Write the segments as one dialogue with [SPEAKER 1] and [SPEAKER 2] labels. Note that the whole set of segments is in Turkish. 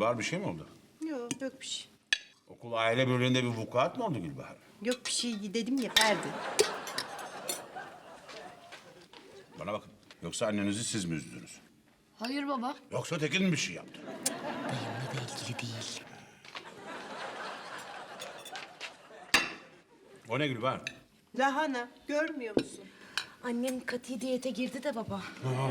[SPEAKER 1] Gülbahar bir şey mi oldu?
[SPEAKER 2] Yok bir şey.
[SPEAKER 1] Okul aile birliğinde bir vukuat mı oldu Gülbahar?
[SPEAKER 2] Yok bir şey dedim ya Ferdi.
[SPEAKER 1] Bana bakın. Yoksa annenizi siz mi üzdünüz?
[SPEAKER 3] Hayır baba.
[SPEAKER 1] Yoksa Tekin bir şey yaptı?
[SPEAKER 3] Benimle de ilgili değil.
[SPEAKER 1] O ne Gülbahar?
[SPEAKER 2] Lahana görmüyor musun?
[SPEAKER 3] Annem katı diyete girdi de baba.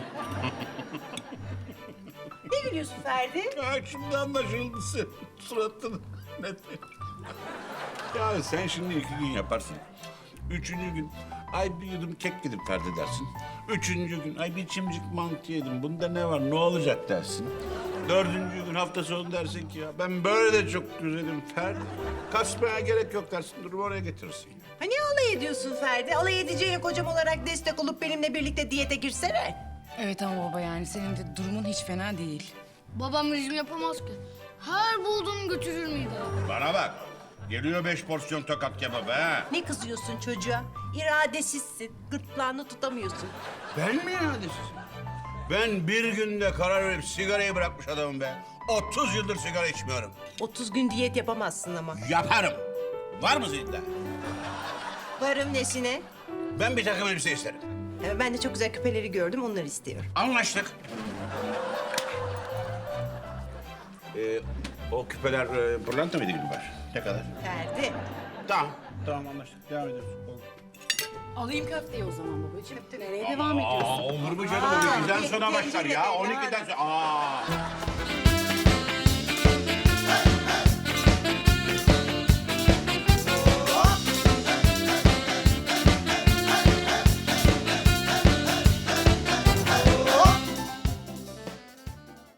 [SPEAKER 2] Ne gülüyorsun Ferdi?
[SPEAKER 1] Ya şimdi anlaşıldı sen. Suratını net. Ya sen şimdi 2 gün yaparsın. 3. gün ay bir yudum kek gidip Ferdi dersin. 3. gün ay bir çimcik mantı yedim. Bunda ne var ne olacak dersin. 4. gün hafta sonu dersin ki ya ben böyle de çok güzelim Ferdi. Kasmaya gerek yok dersin. Durumu oraya getirirsin.
[SPEAKER 2] Ha ne alay ediyorsun Ferdi? Alay edeceğine kocam olarak destek olup benimle birlikte diyete girsene.
[SPEAKER 4] Evet ama baba yani senin de durumun hiç fena değil.
[SPEAKER 3] Babam rejim yapamaz ki. Her bulduğunu götürür mideye.
[SPEAKER 1] Bana bak. Geliyor 5 porsiyon tokat kebabı ha.
[SPEAKER 2] Ne kızıyorsun çocuğa? İradesizsin. Gırtlağını tutamıyorsun.
[SPEAKER 1] Ben mi iradesizim? Ben bir günde karar verip sigarayı bırakmış adamım be. 30 yıldır sigara içmiyorum.
[SPEAKER 2] 30 gün diyet yapamazsın ama.
[SPEAKER 1] Yaparım. Var mı iddia?
[SPEAKER 2] Varım nesine?
[SPEAKER 1] Ben bir takım elbise isterim.
[SPEAKER 2] Ben de çok güzel küpeleri gördüm, onları istiyorum.
[SPEAKER 1] Anlaştık. O küpeler pırlanta mıydı Gülbahar? Ne kadar?
[SPEAKER 2] Ferdi.
[SPEAKER 1] Tamam anlaştık. Devam ediyoruz. Olur.
[SPEAKER 4] Alayım köfteyi o zaman babacığım. Nereye devam ediyorsun?
[SPEAKER 1] Olur mu canım? 12'den sonra başlar ya. 12'den sonra.